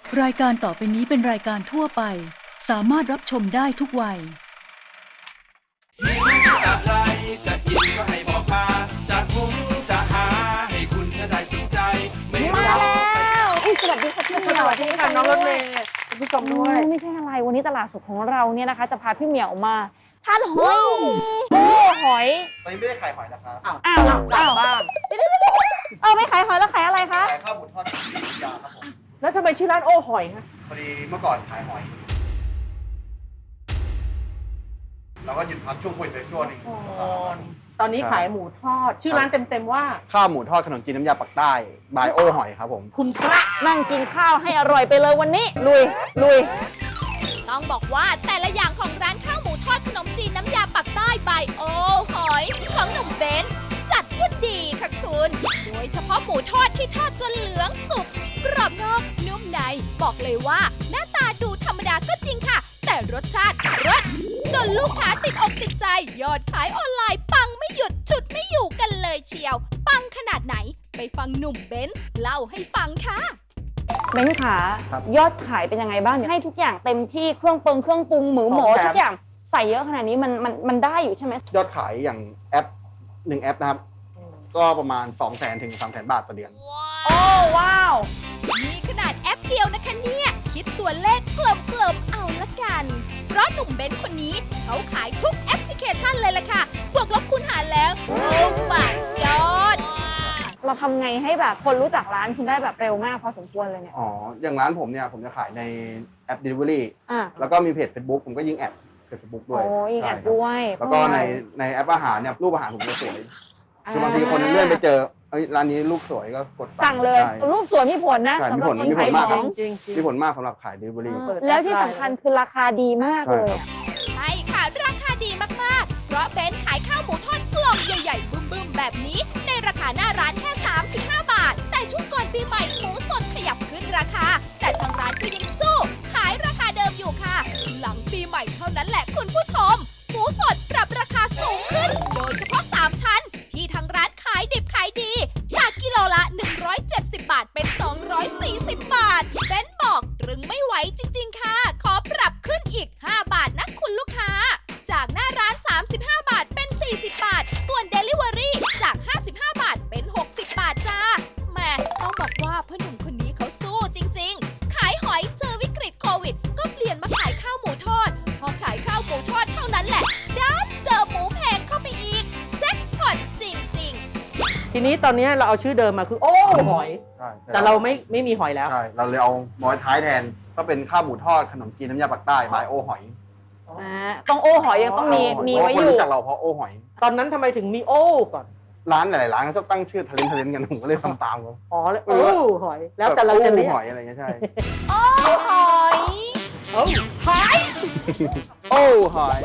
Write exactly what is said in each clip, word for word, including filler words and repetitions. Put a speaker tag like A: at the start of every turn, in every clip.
A: รายการต่อไปนี้เป็นรายการทั่วไปสามารถรับชมได้ทุกวัย
B: อะไรจะกินก็ให้บอกมาจะหุงจะหาให้คุณได้สนใจไม่รู้
C: มาแล้วอุ๊ยสวัสดีค่ะพี่เหมียว
D: สวัสดีค่ะน้องรถเมย์คุณผู้ชมด้วย
C: ไม่ใช่อะไรวันนี้ตลาดสดของเราเนี่ยนะคะ จะพาพี่เหมียวมาทานหอยโอ้หอย
E: ตอนนี้ไม่ได้ขายหอยนะครับ
D: อ้าว
C: อ้าว
D: กลับ
C: อ้าว
D: บ้าน
C: เอาไม่ขายหอยแล้วขายอะไรคะ
E: ขายข้าวหมูทอดน้ำจิ้มยาครับผม
D: แล้วทำไมชื่อร้านโอ้หอยคะ
E: พอดีเมื่อก่อนขายหอย เราก็หยุดพักช่วงโควิดไปช่วงหนึง
D: ตอนนี้ขายหมูทอด ชื่อร้านเต็มๆว่า
E: ข้าวหมูทอดขนมจีนน้ำยาปักใต้บายโอหอยครับผม
D: คุณพระ
C: นั่งกินข้าวให้อร่อยไปเลยวันนี้ ลุยลุย
F: ต้องบอกว่าแต่ละอย่างของร้านข้าวหมูทอดขนมจีนน้ำยาปักใต้บายโอหอยของหนุ่มเบนซ์จัดว่าดีค่ะคุณ โดยเฉพาะหมูทอดที่ทอดจนเหลืองสุกกรอบนอกนุ่มในบอกเลยว่าหน้าตาดูธรรมดาก็จริงค่ะ แต่รสชาติรสจนลูกค้าติดอกติดใจ ยอดขายออนไลน์ปังไม่หยุดฉุดไม่อยู่กันเลยเชียว ปังขนาดไหนไปฟังหนุ่มเบนซ์เล่าให้ฟังค่ะ
C: เบนซ์ขายอดขายเป็นยังไงบ้างให้ทุกอย่างเต็มที่เครื่องปรุงเครื่องปรุงหมูหมูทุกอย่างใส่เยอะขนาดนี้มันมันมันได้อยู่ใช่ไหม
E: ยอดขายอย่างแอปหนึ่งแอปนะครับ ก็ประมาณ สองแสน ถึง สามแสน บาทต่อเดือน
C: โอ้ว้าว
F: นี่ขนาดแอปเดียวนะคะเนี่ย คิดตัวเลขกลมๆเอาละกัน เพราะหนุ่มเบนซ์คนนี้เขาขายทุกแอปพลิเคชันเลยล่ะค่ะ บวกลบคูณหารแล้ว โอ้ my god
C: เราทำไงให้แบบคนรู้จักร้านคุณได้แบบเร็วมากพอสมควรเลยเนี่ย
E: อ๋อ อย่างร้านผมเนี่ยผมจะขายในแอป Delivery
C: อ่ะ
E: แล้วก็มีเพจ Facebook ผมก็ยิงแอดเพจ Facebook ด้วย
C: โอ้ยแอด
E: ใช่ครับ
C: ด้วย
E: แล้วก็ในในแอปอาหารเนี่ยรูปอาหารผมจะสวย คือบางทีคนเลื่อนไปเจอเอ้ยร้านนี้รูปสวยก็กด
C: สั่งเลย
E: ใช่
C: รูปสวยมีผลนะ
E: ใช่
C: สำหรับ
E: มี
C: คน
E: ผล
C: ขาย
E: มีผลมาก
C: ของ
D: จริงๆ
E: มีผลมากสำหรับขาย Delivery
D: เปิด
C: แล้วที่สำคัญคือราคาดีมากเลยอะ
F: ใช่ค่ะ ราคาดีมากๆ เพราะเบนซ์ขายข้าวหมูทอดกล่องใหญ่ๆ บึ้มๆ แบบนี้ ในราคาหน้าร้านแค่ สามสิบห้า บาท แต่ช่วงก่อนปีใหม่หมูสดขยับขึ้นราคา แต่ทางร้านก็ยังสู้ ขายราคาเดิมอยู่ค่ะ หลังปีใหม่เท่านั้นแหละคุณผู้ชม หมูสดปรับราคาสูงขึ้น โดยเฉพาะ สาม ชั้น ที่ทางร้านขายดิบขายดี จากกิโลละ หนึ่งร้อยเจ็ดสิบ บาทเป็น สองร้อยสี่สิบ บาท เบนซ์บอกตรึงไม่ไหวจริง ๆ ค่ะ ขอปรับขึ้นอีก ห้า บาทนะคุณลูกค้า จากหน้าร้าน สามสิบห้า บาทเป็น สี่สิบ บาท ส่วน Delivery จาก ห้าสิบห้า บาทเป็น หกสิบ บาทจ้าแหม่ต้องบอกว่าพ่อหนุ่มคนนี้เขาสู้จริง ๆ ขายหอยเจอวิกฤตโควิด ก็เปลี่ยนมาขายข้าวหมูทอด พอขายข้าวหมูทอดเท่านั้นแหละด้านเจอหมูแพงเข้าไปอีกแจ็คพอตจริง ๆ
D: ทีนี้ตอนนี้เราเอาชื่อเดิมมาคือโอ้หอย
E: ใช่
D: แต่เราไม่ไม่มีหอยแล้ว
E: ใช่ เราเลยเอามอยท้ายแทน ก็เป็นข้าวหมูทอดขนมจีนน้ำยาปักใต้บายโอหอย
C: อ่าต้องโอ้หอยยังต้องมี
E: โห
C: มี
E: เพราะ
C: ไว้
E: คน
C: อยู่
E: รู้จักเราเพราะโอหอย
D: ตอนนั้นทำไมถึงมีโอ้ก่อน
E: ร้านหลายๆร้านก็ตั้งชื่อทะเลนทะเลนกันผมก็เลยทำตามเขา
D: อ๋อแล้วโอ้หอย แล้วแต่เราจะเรียก
E: โอ้หอยอะไรเงี้ยใช่
F: โอ้หอย
D: โอ้หอย
E: โอ้หอย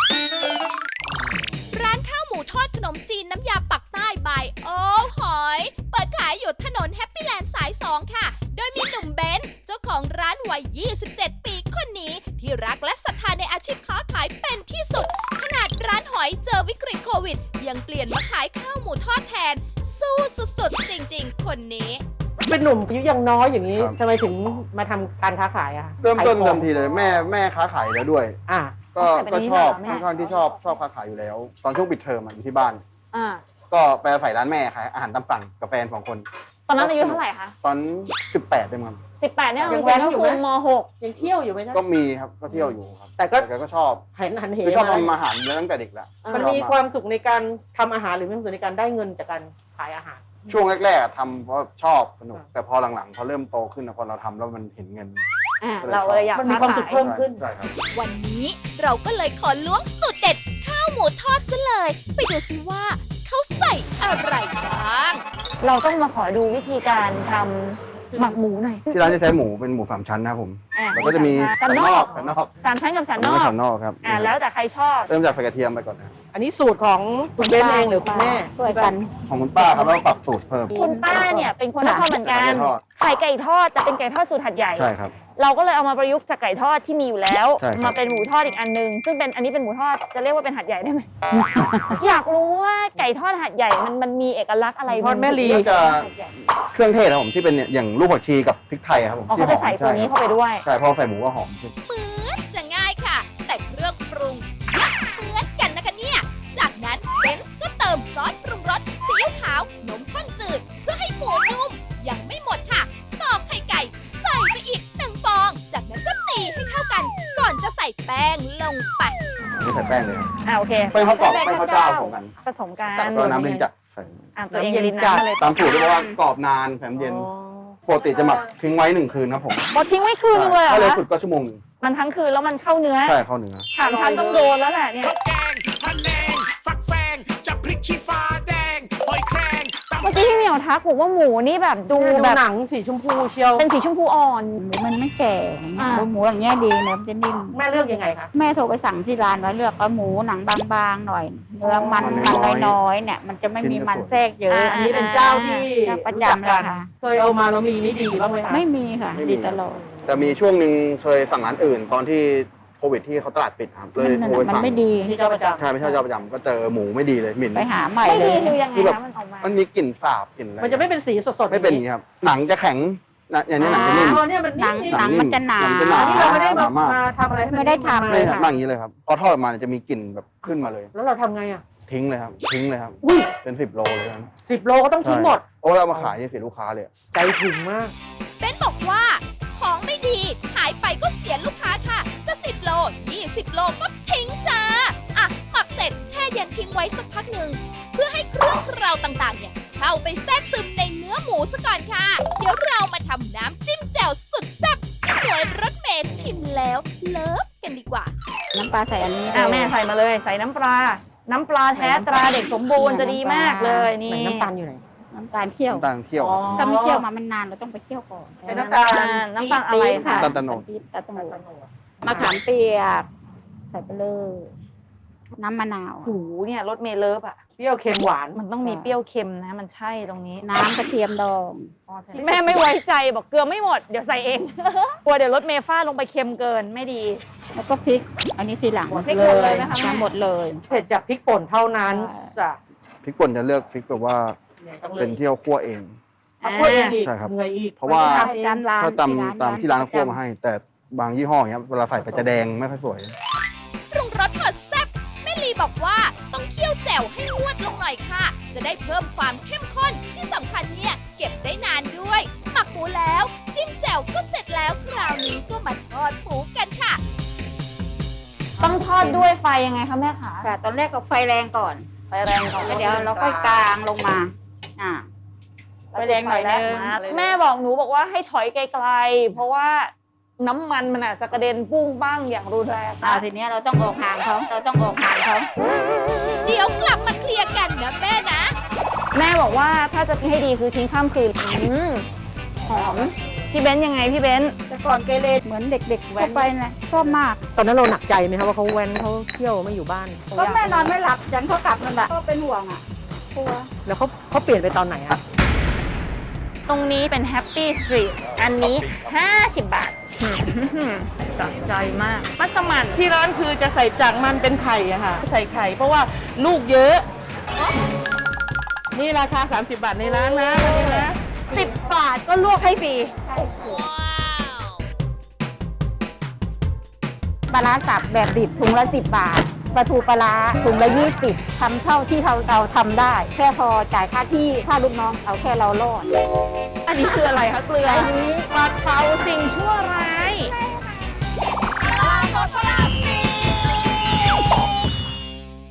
F: ร้านข้าวหมูทอดขนมจีนน้ำยาปักใต้บายโอ้หอย เปิดขายอยู่ถนนแฮปปี้แลนด์สาย สอง ค่ะ โดยมีหนุ่มเบนซ์เจ้าของร้านวัย ยี่สิบเจ็ด ปีคนนี้ ที่รักและศรัทธาในอาชีพค้าขายเป็นที่สุด ขนาดร้านหอยเจอวิกฤตโควิด ยังเปลี่ยนมาขายข้าวหมูทอดแทน สู้สุดๆ จริงๆ คนนี้
D: เป็นหนุ่มอายุยังน้อยอย่างนี้
E: ครับ
D: ทำไมถึงมาทำการค้าขายอะ
E: เริ่มต้น
D: ขายของ
E: เดิมทีเลยแม่แม่ค้าขายแล้วด้วย
D: อ่ะ
E: ก็
C: ใส่แบบ
E: ก็
C: นี้
E: ชอบ
C: เหรอแม่
E: ค่อนข้างที่ชอบชอบค้าขายอยู่แล้ว ตอนช่วงปิดเทอมอะอยู่ที่บ้าน
C: อ่า
E: ก็ไปอาศัยร้านแม่ขายอาหารตามสั่งกับแฟนสองคน
C: ตอนนั้นอายุเท่าไหร่คะ
E: ตอนสิบแปดเองครับ
C: สิบแปดเนี่ย
D: ยั
C: จริ
D: ง
C: ง
D: แว้น
C: ๆก็
D: อยู่
C: คื
D: ไหม
C: อมหก
D: ยังเที่ยวอยู่ไหมนะ
E: ก็มีครับก็เที่ยวอยู่ครับ
D: แต่ก็
E: แต่ก็ชอบ
D: เห็นหันเห
E: คือชอบ
D: มา
E: ทำอาหารเยอะตั้งแต่เด็กแล้ว
D: มันมีความสุขในการทำอาหารหรือมีความสุขในการได้เงินจากการขายอาหาร
E: ช่วงแรกๆอะทำเพราะชอบสนุก
D: อ่า
E: แต่พอหลังๆพอเริ่มโตขึ้นอะพอเราทำแล้วมันเห็นเงิน
C: อ่าเราเลยอยาก
D: มันมีความสุข
C: ขย
D: เพิ่มขึ้น
E: ใช่ครับ
F: วันนี้เราก็เลยขอล้วงสูตรเด็ดข้าวหมูทอดซะเลย ไปดูซิว่าเขาใส่อะไรบ้าง
C: เราต้องมาขอดูวิธีการทำหมักหมูหน่อย
E: ที่ร้านจะใช้หมูเป็นหมูสามชั้นนะครับผม
C: อ่า
E: แล้วก็จะมี
C: สันนอก
E: สันนอก
C: สามชั้นกับสันน
E: แล้ว
C: อ
E: ก็
C: ก
E: สันนอกครับ
C: อ่าแล้วแต่ใครชอบ
E: เริ่มจากใส่กระเทียมไปก่อนนะ
D: อันนี้สูตรของคุณเบนเองหรือคุณแม่
C: ช่วยกัน
E: ของคุณป้าครับแล้วก็ปรับสูตรเพิ่ม
C: คุณป้าเนี่ยเป็นคนนครเหมือนกัน
E: ไก่ทอด
C: ใส่ไก่ทอดแต่เป็นไก่ทอดสูตรหัดใหญ่
E: ใช่ครับ
C: เราก็เลยเอามาประยุกต์จากไก่ทอดที่มีอยู่แล้ว
E: ใช่ครับ
C: มาเป็นหมูทอดอีกอันนึงซึ่งเป็นอันนี้เป็นหมูทอดจะเรียกว่าเป็นหัดใหญ่ได้ไหม อยากรู้ว่าไก่ทอดหัดใหญ่มันมันมีเอกลักษณ์อะไร
D: ทอดแม่ลี
E: ก็จะเครื่องเทศครับผมที่เป็นเนี่ยอย่างลูกผักชีกับพริกไทยครับผม
C: อ๋อเขาจะใส่ตัวนี้เข้าไปด้วย
E: ใช่พอใส่หมูก็หอมขึ้น
F: เหมือนจะง่ายค่ะ แต่เครื่องปรุงเยอะเหมือนกันนะคะเนี่ย จากนั้นเบนซ์ก็เติมซอสปรุงรสซีอิ๊วขาวนมข้นจืด เพื่อให้หมูนุ่มยังไม่หมดค่ะตอกไข่ไก่ใส่ไปอีกหนึ่งฟอง จากนั้นก็ตีให้เข้ากัน ก่อนจะใส่แป้งลงไป
E: ไม่ใส่แป้งเลยครับ
C: อ่าโอเค
E: แป้งข้าวกรอบแป้งข้าวเจ้าของกัน
C: ผสมกัน
E: แล้วก็น้ำลิ้นจัดใส่
C: อ่ะตัวเอง
D: น้ำเย็น
C: ลิ้น
D: จัด
C: น้ำมาเลย
E: ตามสูตรที่บอกว่ากรอบนานแถมเย็นปกติจะหมักทิ้งไว้หนึ่งคืนครับผม
C: บอทิ้งไว้คืนนึงเลยเหร
E: ถ้าเร็ว
C: อ
E: สุดก็ชั่วโมงหนึง
C: มันทั้งคืนแล้วมันเข้าเนื้อ
E: ใช่เข้าเนื้อ
C: ถามฉันต้องโดนแล้วแหละเนี่ย
B: ข้าวแกงพะแนง ฟักแฟงจะพริกชี้ฟ้าแดง หอยแครงตำ
C: เมื่อกี้พี่เหมียวทักบอกว่าหมูนี่แบบดู
D: ดู
C: แบบ
D: หนังสีชมพูเชียว
C: เป็นสีชมพูอ่อน
G: หมูมันไม่แก่อย่างเงี้ย
C: อ่า
G: หมูอย่างเงี้ยดีเนื้อมันจะนิ่ม
D: แม่เลือกยังไงคะ
G: แม่โทรไปสั่งที่ร้านว่าเลือกเอาหมูหนังบางๆหน่อย เนื้อมัน
E: มัน
G: มัน
E: น้อยๆ
G: น้อยๆเนี่ยมันจะไม่มีมันแทรกเยอะ
D: อันนี้เป็นเจ้าที่
G: เจ้าประจำ
D: รู้จักกัน
G: เลยค่ะ
D: เคยเอามาแล้วมีไม่ดีบ้างไหมคะ
G: ไม่มีค่ะ
E: ไม่มี
G: ดีตลอด
E: แต่มีช่วงหนึ่งเคยสั่งร้านอื่น ตอนที่โควิดที่เขาตลาดปิดครับเลย
G: นั่น
E: โทร
G: น่ะ
E: ไป
G: มัน
E: สั่ง
G: ไม่ดี
D: ที่เจ้าประจำ
E: ใช่ไม่ใช่เจ้าประจำก็เจอหมูไม่ดีเลยหมิ่น
G: ไปหาใหม่
C: ไม่
G: เล
C: ดี
G: ย
C: คือยังไง
E: คือแบบ
C: คะมันออกมา
E: มันมีกลิ่นสาบกลิ่นอะไร
D: มันจะไม่เป็นสีสดๆ
E: ไม่เป็นอย่างนี้ครับหนังจะแข็งนะอย่างนี้หนังจะนิ่ม
D: อ๋อเนี่ยมัน
G: หนัง
D: นิ่ม
G: หนังมันจะหนา
E: หนังจะหนา
D: ๆที่เราไม่ได้
E: ห
D: มา
E: นามาก
D: มาทำอะไรให้น
G: ไม่ได้ทำ
E: ไม่
G: เลย
E: ครับนั่งอย่างนี้เลยครับพอทอดออกมาเนี่ยจะมีกลิ่นแบบขึ้นมาเลย
D: แล้วเราทำไงอ่ะ
E: ทิ้งเลยครับทิ้งเลยครับ
D: อุ้ย
E: เป็นสิบโลเลยครับ
D: สิบโลก็ต้องทิ้งหมด
E: เพราะว่าเรามาขายนี่เสียลูกค้าเลย
D: ใจถึงมาก
F: เบนบอกว่า ของไม่ดีขายไปก็เสียลูกค้าค่ะ จะสิบโลยี่สิบโลก็ทิ้งจ้า อ่ะหมักเสร็จแช่เย็นทิ้งไว้สักพักหนึ่ง เพื่อให้เครื่องเคราต่างๆเนี่ยเข้าไปแทรกซึมในเนื้อหมูซะก่อนค่ะ เดี๋ยวเรามาทำน้ำจิ้มแจ่วสุดแซ่บหวยรถเมย์ชิมแล้วเลิฟกันดีกว่า
G: น้ำปลาใส่อันนี้
C: อ่ะแม่ใส่มาเลยใส่น้ำปลา น้ำปลาแท้ตราเด็กสมบูรณ์จะดีมากเลยนี่
D: ไหนน้ำตาลอยู่ไหน
G: น้ำตาลเคี่ยว
E: น้ำตาลเคี่ยว
D: อ๋อ
G: ถ้าไม่เคี่ยวมามันนานเราต้องไปเคี่ยวก่อน
D: เป็นน้ำตาล
C: น้ำตาลอะไรคะ
E: น้ำตาลตะโนด
G: ปี๊บตาลตะโนดมะขามเปียก ใส่ไปเลย น้ำมะนาว
C: หูเนี่ยรถเมล์เลิฟอ่ะ
D: เปรี้ยวเค็มหวาน
C: มันต้องมีเปรี้ยวเค็มนะ มันใช่ตรงนี้
G: น้ำกระเทียมดอง
C: แม่ไม่ไว้ใจบอกเกลือไม่หมด เดี๋ยวใส่เอง กลัวเดี๋ยวรถเมล์ฟาดลงไปเค็มเกินไม่ดี
G: แล้วก็พริก อันนี้ทีหลัง
C: พริกหมดเลยไหมคะแม่
G: หมดเลย
D: เผ็ดจากพริกป่นเท่านั้นจ้ะ
E: พริกป่นจะเลือกพริกแบบว่าเป็นที่เราคั่วเอง
D: เอาคั่วเองอีก
E: ใช่ครับ
D: เหนื่อยอีก
E: เพราะว่า
D: ทำเอง
G: ร้านร้าน
E: ถ้าตามตามที่ร้านเขาคั่วมาให้ แต่บางยี่ห้ออย่างเงี้ยเวลาใส่ไปจะแดงไม่ค่อยสวย
F: ปรุงรสหอดแซ่บแม่ลีบอกว่าต้องเคี่ยวแจ่วให้งวดลงหน่อยค่ะ จะได้เพิ่มความเข้มข้นที่สำคัญเนี่ยเก็บได้นานด้วยหมักหมูแล้ว จิ้มแจ่วก็เสร็จแล้วคราวนี้ก็มาทอดหมูกันค่ะ
C: ต้องทอดด้วยไฟยังไงคะแม่ขา
G: ค่ะตอนแรกเราไฟแรงก่อน
C: ไฟแรงก่อน
G: แล้วเดี๋ยวเราค่อยกลางลงมา อ่า ไฟแรงหน่อยนึง
C: แม่บอกหนูบอกว่าให้ถอยไกลๆเพราะว่าน้ำมันมันอาจจะกระเด็นปุ้งบ้างอย่างรุนแรง
G: อ่าทีเนี้ยเราต้องออกห่างเขาเราต้องออกห่างเขา
F: เดี๋ยวกลับมาเคลียร์กันนะแม่นะ
C: แม่บอกว่าถ้าจะให้ดีคือทิ้งข้ามคืนอืมหอมพี่เบนซ์ยังไงพี่เบนซ์
G: แต่ก่อนเกเรเหมือนเด็กๆทั่วไปนะชอบมาก
D: ตอนนั้นเราหนักใจไหมคะว่าเขาแว้นเขาเที่ยวไม่อยู่บ้าน
G: ก็แม่นอนไม่หลับยันเขากลับนั่นแหละก็เป็นห่วงอ่ะกลัว
D: แล้วเขาเขาเปลี่ยนไปตอนไหนอะ
C: ตรงนี้เป็นแฮปปี้สตรีทอันนี้ห้าสิบบาทสะใจมากมัสมั่น
D: ที่ร้านคือจะใส่จากมันเป็นไข่อะค่ะ ใส่ไข่เพราะว่าลูกเยอะ นี่ราคา สามสิบบาทในร้านนะวันนี้นะ
C: สิบบาทก็ลวกให้ฟรี
G: ปลาร้าสับแบบดิบถุงละสิบบาทปลาทูปลาร้าถุงละยี่สิบทำเท่าที่เราเราทำได้ แค่พอจ่ายค่าที่ค่าลูกน้องเอาแค่เรารอด
C: อันนี้คืออะไรคะเกลือ
G: อันนี้
C: ปลาเผาสิ